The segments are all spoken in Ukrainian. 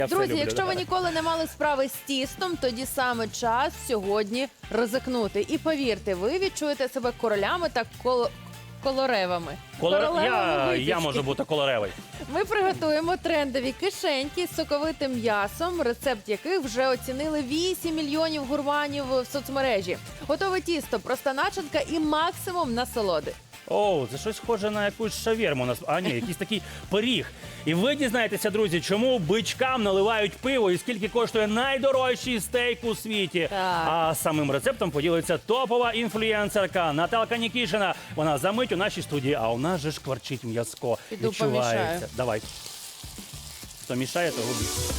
Друзі, якщо ви ніколи не мали справи з тістом, тоді саме час сьогодні ризикнути. І повірте, ви відчуєте себе королями та колоревами. Я можу бути колоревий. Ми приготуємо трендові кишеньки з соковитим м'ясом, рецепт яких вже оцінили 8 мільйонів гурманів в соцмережі. Готове тісто, проста начинка і максимум насолоди. О, це щось схоже на якусь шаверму. А ні, якийсь такий пиріг. І ви дізнаєтеся, друзі, чому бичкам наливають пиво і скільки коштує найдорожчий стейк у світі. Так. А самим рецептом поділиться топова інфлюенсерка Наталка Нікішина. Вона за мить у нашій студії, а у нас же ж кварчить м'язко. Піду Відчувається. помішаю. Давай. Хто мішає, того більше.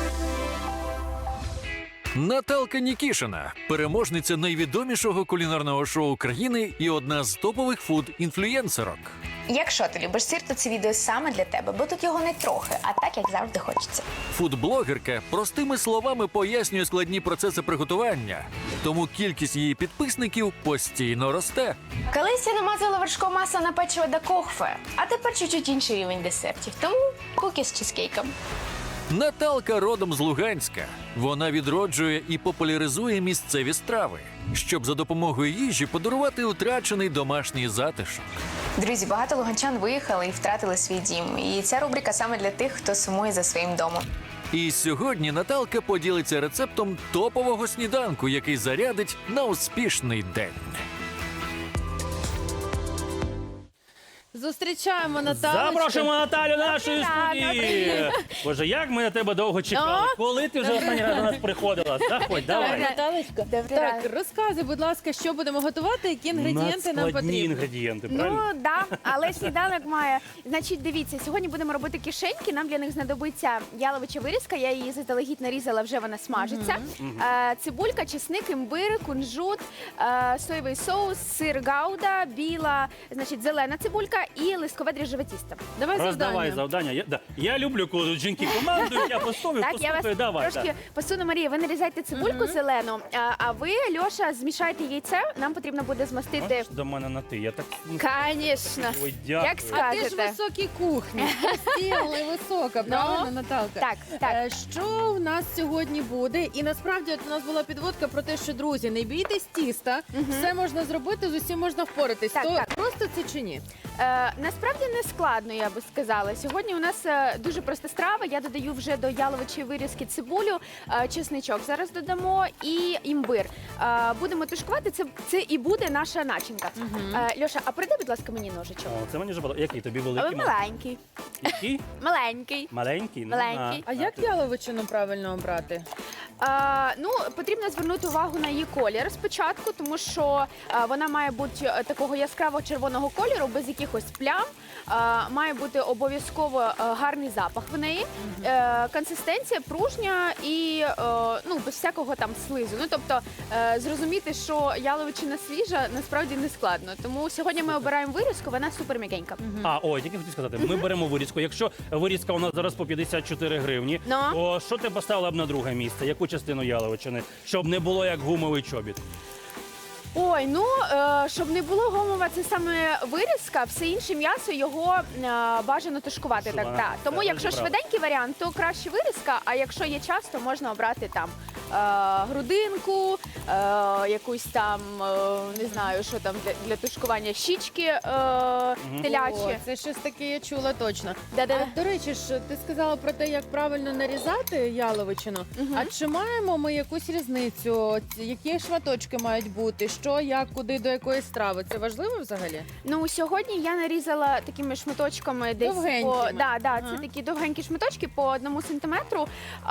Наталка Нікішина – переможниця найвідомішого кулінарного шоу країни і одна з топових фуд-інфлюєнсерок. Якщо ти любиш сир, то це відео саме для тебе, бо тут його не трохи, а так, як завжди хочеться. Фудблогерка простими словами пояснює складні процеси приготування, тому кількість її підписників постійно росте. Колись я намазала вершкове масло на печиво до кохве, а тепер чуть-чуть інший рівень десертів, тому куки з чизкейком. Наталка родом з Луганська. Вона відроджує і популяризує місцеві страви, щоб за допомогою їжі подарувати утрачений домашній затишок. Друзі, багато луганчан виїхали і втратили свій дім. І ця рубрика саме для тих, хто сумує за своїм домом. І сьогодні Наталка поділиться рецептом топового сніданку, який зарядить на успішний день. Зустрічаємо Наталочку. Запрошуємо Наталю нашої студії. Боже, як ми на тебе довго чекали. Коли ти вже останній раз до нас приходила? Заходь, давай. Наталочка. Так, розказуй, будь ласка, що будемо готувати, які інгредієнти нам Надскладні потрібні. інгредієнти, правильно? Ну, да, але сніданок має. Значить, дивіться, сьогодні будемо робити кишеньки. Нам для них знадобиться яловича вирізка. Я її заздалегідь нарізала, вже вона смажиться. Цибулька, чесник, імбир, кунжут, соєвий соус, сир гауда, біла, значить, зелена цибулька і листкове дріжджове тісто. Давай Роздавай завдання. Я люблю, коли жінки командують, я постою, Так, я вас давай. трошки посуну, Марія. Ви нарізайте цибульку зелену, а ви, Льоша, змішайте яйце. Нам потрібно буде змастити. Можеш до мене на ти? Я так... Звісно. Ой, дякую. Як А ти ж скажете. високій кухні, постійна і висока, правильно, Наталка? Так, так. Що в нас сьогодні буде? І насправді от у нас була підводка про те, що, друзі, не бійтесь тіста, все можна зробити, з усім можна впоратись. Так, То так. просто це чи ні? Насправді не складно, я би сказала. Сьогодні у нас дуже проста страва. Я додаю вже до яловичої вирізки цибулю, чесничок зараз додамо і імбир. Будемо тушкувати, це і буде наша начинка. Льоша, а передай, будь ласка, мені ножичок. О, це мені вже було. Який тобі Але великий? маленький. Який? Маленький. Маленький? Ну, Маленький. А як яловичину правильно обрати? Ну, потрібно звернути увагу на її колір спочатку, тому що вона має бути такого яскраво червоного кольору, без якихось плям. Має бути обов'язково гарний запах в неї, консистенція пружня і без всякого там слизу. Ну, тобто, зрозуміти, що яловичина свіжа, насправді не складно. Тому сьогодні ми обираємо вирізку, вона супер м'якенька. Тільки хотів сказати, ми беремо вирізку. Якщо вирізка у нас зараз по 54 гривні, Ну? то що ти поставила б на друге місце? Яку частину яловичини? Щоб не було як гумовий чобіт. Ой, щоб не було гомова, це саме вирізка, все інше м'ясо його бажано тушкувати. Так, Тушкувати. Тому Це якщо розібрала. швиденький варіант, то краще вирізка, а якщо є час, то можна обрати там грудинку, якусь там, не знаю, що там для тушкування, щічки телячі. О, це щось таке я чула точно. Да-да-да. До речі ж, ти сказала про те, як правильно нарізати яловичину. А чи маємо ми якусь різницю? Які шматочки мають бути? Що, як, куди, до якої страви? Це важливо взагалі? Ну, сьогодні я нарізала такими шматочками десь Довгенькими. це такі довгенькі шматочки по 1 сантиметру.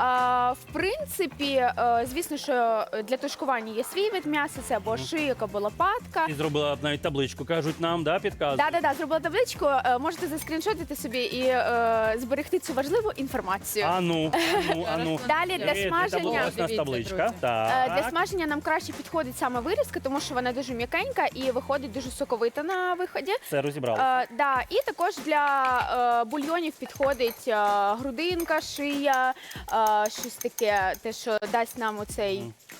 В принципі, звісно, що для тушкування є свій вид м'яса, це або шийок, або лопатка. Ти зробила навіть табличку, кажуть нам, підказують. Зробила табличку. Можете заскріншотити собі і зберегти цю важливу інформацію. Ану. Далі для смаження. Ось у нас табличка. друзі. Так. Для смаження нам краще підходить саме вирізка, тому що вона дуже м'якенька і виходить дуже соковита на виході. Це розібрали. І також для бульйонів підходить грудинка, шия, щось таке, те, що дасть нам оцей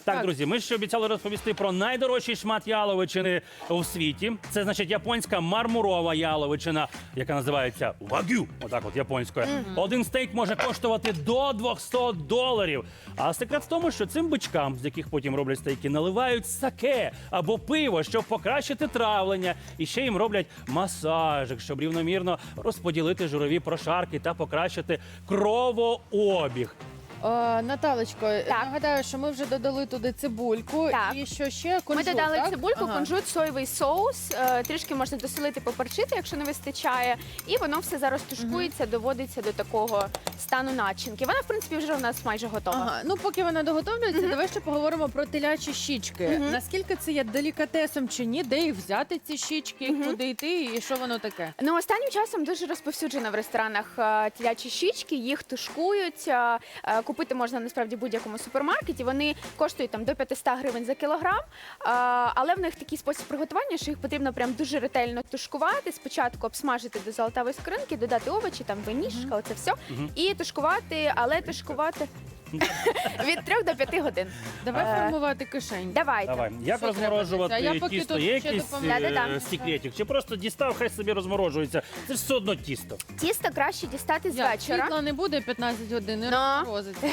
Так, друзі, ми ще обіцяли розповісти про найдорожчий шмат яловичини у світі. Це, значить, японська мармурова яловичина, яка називається вагю, отак от японською. Один стейк може коштувати до $200. А секрет в тому, що цим бичкам, з яких потім роблять стейки, наливають саке або пиво, щоб покращити травлення. І ще їм роблять масажик, щоб рівномірно розподілити жирові прошарки та покращити кровообіг. Наталочко, нагадаю, що ми вже додали туди цибульку. Так. І що ще? Кунжут, Ми додали так? цибульку, Ага. кунжут, соєвий соус, трішки можна досолити, поперчити, якщо не вистачає. І воно все зараз тушкується, доводиться до такого стану начинки. Вона, в принципі, вже у нас майже готова. Ага. Ну, поки вона доготовлюється, давай ще поговоримо про телячі щічки. Наскільки це є делікатесом чи ні? Де їх взяти, ці щічки, куди йти і що воно таке? Ну, останнім часом дуже розповсюджено в ресторанах телячі щічки, їх тушкують. Купити можна насправді в будь-якому супермаркеті. Вони коштують там до 500 гривень за кілограм, але в них такий спосіб приготування, що їх потрібно прям дуже ретельно тушкувати. Спочатку обсмажити до золотавої скоринки, додати овочі, там винішка, оце все. І тушкувати, але тушкувати від 3 до 5 годин. Давай формувати кишень. Давайте. Давай, як Що розморожувати треба робити? А я поки тісто? тут Є ще якийсь допомагаю. Да-да-да. секретик? Чи просто дістав, хай собі розморожується? Це ж все одно тісто. Тісто краще дістати з вечора. Світла не буде 15 годин, і Ну. розморозиться.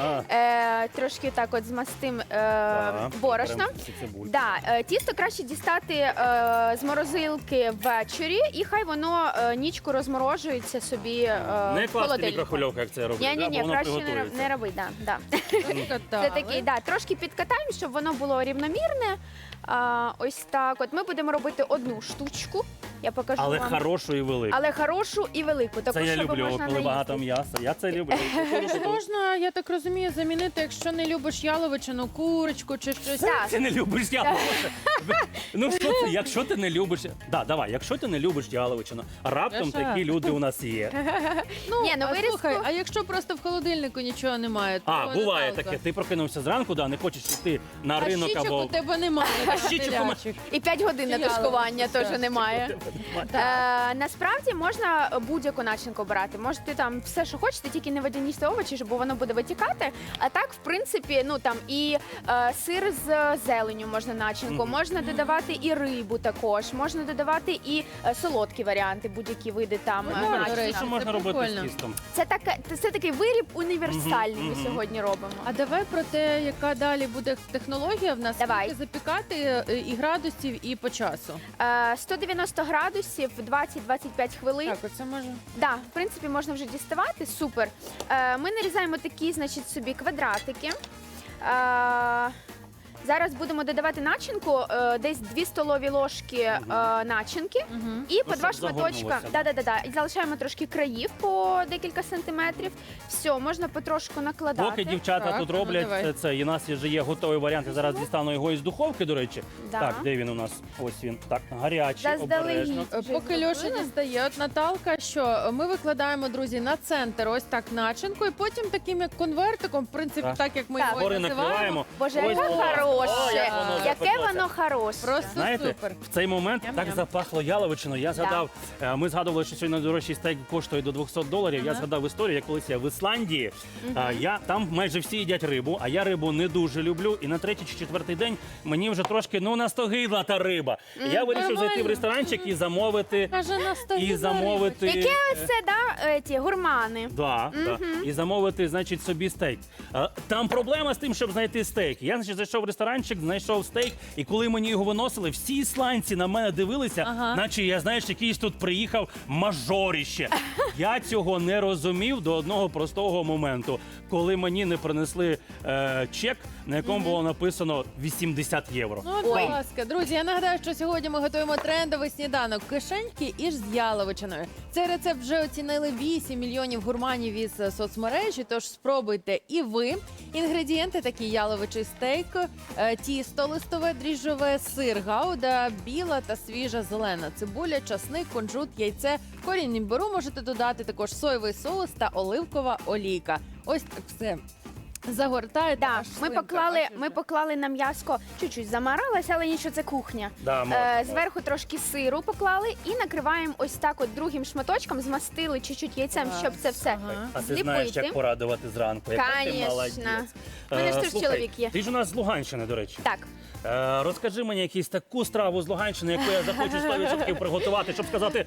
Трошки так от змастим Так, борошном. беремо цю цибульку. Тісто краще дістати з морозилки ввечері, і хай воно нічку розморожується собі Не в класти холодильнику. мікрохвильовку, як це робить, Ні, бо воно краще приготується. не роби, да. Це Це такий, трошки підкатаємо, щоб воно було рівномірне. Ось так. От ми будемо робити одну штучку. Я покажу Але вам. хорошу і велику. Але хорошу і велику. Таку, Це я щоб люблю, можна коли багато наїсти. м'яса. Я це люблю. Можна, я так розумію, замінити, якщо не любиш яловичину, курочку чи щось. Так. Ти не любиш яловичину. Ну що це, якщо ти не любиш... Давай, якщо ти не любиш яловичину, раптом Я ще. такі люди у нас є. Ні, ну а вирізку- слухай, а якщо просто в холодильнику нічого немає, то Буває Наталка. таке. Ти прокинувся зранку, не хочеш йти на А ринок щічок або... у тебе немає. щічок у мене- телячих. І 5 годин на Яловичину, тушкування так. теж немає. Насправді можна будь-яку начинку обирати. Можете там все, що хочете, тільки не водяні овочі, бо воно буде витікати. А так, в принципі, ну там і сир з зеленню можна начинку, можна додавати і рибу також, можна додавати і солодкі варіанти, будь-які види там Прикольно, до начинок. речі. Що це можна робити прикольно. з тістом? Це такий виріб універсальний ми сьогодні робимо. А давай про те, яка далі буде технологія в нас, Давай. скільки запікати і градусів, і по часу. 190 градусів, 20-25 хвилин. Так, оце може. Да, в принципі, можна вже діставати. Супер. Ми нарізаємо такі, значить, собі квадратики. Зараз будемо додавати начинку, десь 2 столові ложки начинки і по щоб 2 шматочка. загорнулося. Да. І залишаємо трошки країв по декілька сантиметрів. Все, можна потрошку накладати. Поки дівчата Так, тут ну, роблять давай. це, і у нас вже є готовий варіант. Я зараз дістану його із духовки, до речі. Да. Так, де він у нас? Ось він. Так, гарячий, обережно. Заздалегідь. Поки Льоша дістає, от Наталка, що ми викладаємо, друзі, на центр ось так начинку, і потім таким як конвертиком, в принципі, Так. так як ми Так. його Гори називаємо. накриваємо. Боже, Ось, яке о, хороше! як воно Яке запеклося. воно хороше! Просто Знаєте, супер. в цей момент Ням-ням. так запахло яловичиною. Я згадав, ми згадували, що сьогодні найдорожчий стейк коштує до $200. Я згадав історію, як колись я в Ісландії. Там майже всі їдять рибу, а я рибу не дуже люблю. І на 3-й чи 4-й день мені вже трошки настогидла та риба. І я вирішив зайти в Нормально. ресторанчик і замовити. Каже, на столі І замовити. Яке оце, да, ті гурмани? Да. І замовити, значить, собі стейк. Там проблема з тим, щоб знайти стейк. Я, значить, зайшов в ресторанчик, знайшов стейк, і коли мені його виносили, всі ісландці на мене дивилися, наче я, знаєш, якийсь тут приїхав мажоріще. Я цього не розумів до одного простого моменту, коли мені не принесли чек, на якому було написано 80 євро. Ну, будь ласка, друзі, я нагадаю, що сьогодні ми готуємо трендовий сніданок кишеньки із яловичиною. Цей рецепт вже оцінили 8 мільйонів гурманів із соцмережі, тож спробуйте і ви. Інгредієнти такі: яловичий стейк, тісто листове, дріжджове, сир гауда, біла та свіжа зелена цибуля, часник, кунжут, яйце, корінь імбиру можете додати, також соєвий соус та оливкова олійка. Ось так все Загортаєте. Да, аж ми слинка, поклали, бачиш, ми вже? поклали на м'яско, чуть-чуть замаралася, але нічого, це кухня. Да, можна. Зверху трошки сиру поклали і накриваємо ось так от другим шматочком, змастили чуть-чуть яйцем, щоб це все Ага. А ти знаєш, зліпити. як порадувати зранку. Яка ти Конечно. молодець. У мене ж теж Слухай, чоловік є. Ти ж у нас з Луганщини, до речі. Так. Розкажи мені якусь таку страву з Луганщини, яку я захочу 100% приготувати, щоб сказати: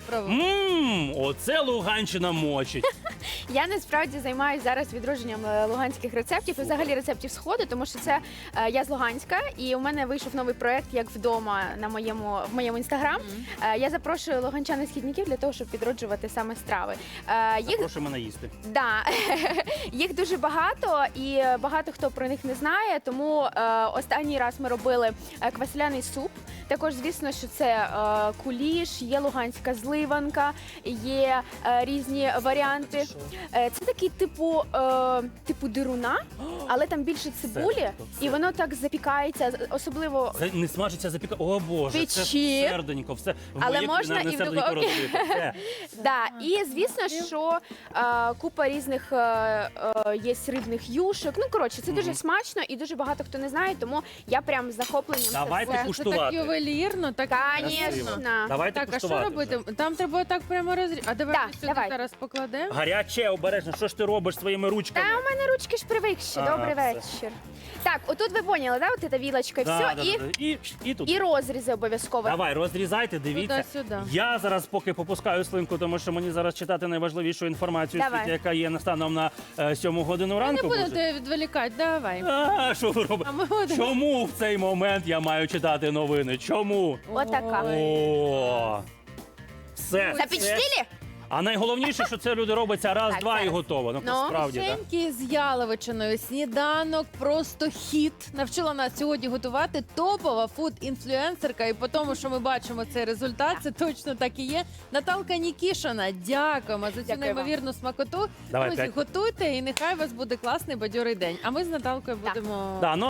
оце Луганщина мочить. Я насправді займаюся зараз відродженням луганських рецептів і взагалі рецептів сходу, тому що це я з Луганська, і у мене вийшов новий проект як вдома на в моєму інстаграм. Я запрошую луганчан і східників для того, щоб відроджувати саме страви. Їх Прошу мене їсти. Да. Їх дуже багато, і багато хто про них не знає. Тому останній раз ми робили квасоляний суп. Також, звісно, що це куліш, є луганська зливанка, є різні варіанти. Це такий типу дируна, але там більше цибулі, Це. і воно так запікається, особливо. Це не смажиться запіка. О Боже, це Печі. серденько, все. В Але моє можна кулінарне і в серденько духовці. розбите. Все. Да, і звісно, що купа різних є рибних юшок. Ну коротше, це дуже смачно і дуже багато хто не знає, тому я прям з захопленням Давайте це все. Це куштувати. так ювелірно, так Конечно. Давайте Так, а що куштувати робити? вже. Там треба так прямо розрізати. А давай Так, ми сюди давай. зараз покладемо. Гаряче, обережно. Що ж ти робиш своїми ручками? Та у мене ручки ж привикші. Ага, Добрий все. вечір. Так, отут ви поняли, да? От ця вілочка і все, І тут. і розрізи обов'язково. Давай, розрізайте, дивіться. Туди-сюди. Я зараз поки попускаю слинку, тому що мені зараз читати найважливішу інформацію, Давай. світі, яка є станом на 7 годину Не ранку. буду Боже. тебе відволікати, давай. Що ви робите? А ми будемо. Чому в цей момент я маю читати новини? Чому? Отака. О, все. Запечтили? А найголовніше, що це люди робиться раз, Так, два і зараз. готово. Ну, Ну, насправді, так. Печеньки з яловичиною, сніданок, просто хіт. Навчила нас сьогодні готувати топова фуд-інфлюенсерка. І по тому, що ми бачимо цей результат, це точно так і є. Наталка Нікішина, дякуємо за цю Дякую вам. неймовірну смакоту. Давай, Друзі, 5. готуйте і нехай у вас буде класний бадьорий день. А ми з Наталкою Так. будемо... Да, ну,